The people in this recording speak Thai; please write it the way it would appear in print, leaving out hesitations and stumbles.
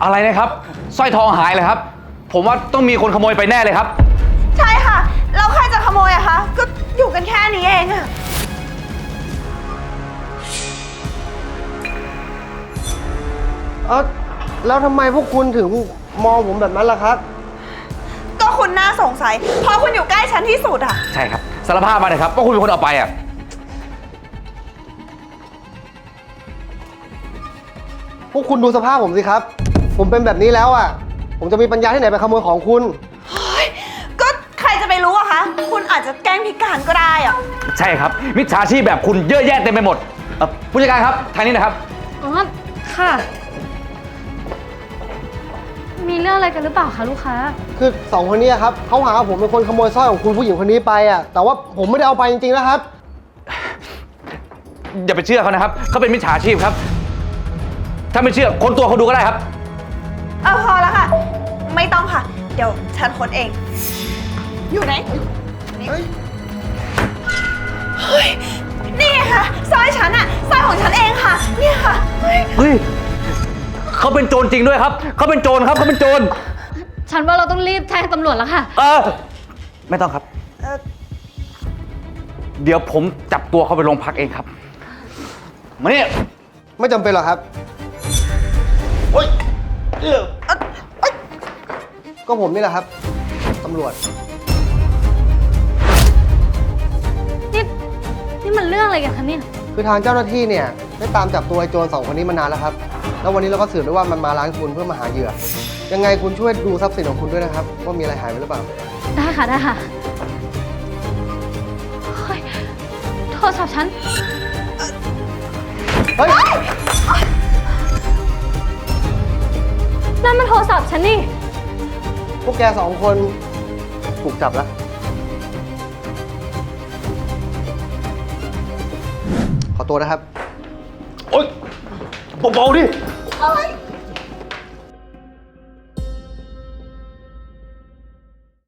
อะไรนะครับสร้อยทองหายเลยครับผมว่าต้องมีคนขโมยไปแน่เลยครับใช่ค่ะแล้วใครจะขโมยอะคะก็อยู่กันแค่นี้เองอะแล้วทำไมพวกคุณถึงมองผมแบบนั้นล่ะครับก็คุณน่าสงสัยเพราะคุณอยู่ใกล้ฉันที่สุดอะใช่ครับสารภาพมาเลยครับว่าคุณเป็นคนเอาไปอ่ะพวกคุณดูสภาพผมสิครับ ผมเป็นแบบนี้แล้วอ่ะผมจะมีปัญญาที่ไหนไปขโมยของคุณเฮ้ยก็ใครจะไปรู้อะคะคุณอาจจะแกล้งพิการก็ได้อะใช่ครับมิจฉาชีพแบบคุณเยอะแยะเต็มไปหมดผู้จัดการครับทางนี้นะครับอ๋อค่ะมีเรื่องอะไรกันหรือเปล่าคะลูกค้าคือสองคนนี้ครับเขาหาว่าผมเป็นคนขโมยสร้อยของคุณผู้หญิงคนนี้ไปอ่ะแต่ว่าผมไม่ได้เอาไปจริงๆนะครับอย่าไปเชื่อเขานะครับเขาเป็นมิจฉาชีพครับถ้าไม่เชื่อค้นตัวเขาดูก็ได้ครับพอแล้วค่ะไม่ต้องค่ะเดี๋ยวฉันค้นเองอยู่ไหนเฮ้ยนี่ค่ะสร้อยฉันอะสร้อยของฉันเองค่ะเนี่ยค่ะเฮ้ยเขาเป็นโจรจริงด้วยครับเขาเป็นโจรครับเขาเป็นโจรฉันว่าเราต้องรีบแจ้งตำรวจแล้วค่ะไม่ต้องครับเดี๋ยวผมจับตัวเขาไปโรงพักเองครับมาเนี่ยไม่จำเป็นหรอกครับก็ผมนี่แหละครับตำรวจนี่มันเรื่องอะไรกันคะเนี่ยคือทางเจ้าหน้าที่เนี่ยได้ตามจับตัวไอ้โจรสองคนนี้มานานแล้วครับแล้ววันนี้เราก็สืบได้ว่ามันมาร้านคุณเพื่อมาหาเหยื่อยังไงคุณช่วยดูทรัพย์สินของคุณด้วยนะครับว่ามีอะไรหายไปหรือเปล่าได้ค่ะได้ค่ะเฮ้ยโทรศัพท์ฉันเฮ้ยนั่นมันโทรศัพท์ฉันนี่พวกแกสองคนถูกจับแล้วขอตัวนะครับโอ๊ยเบาๆดิ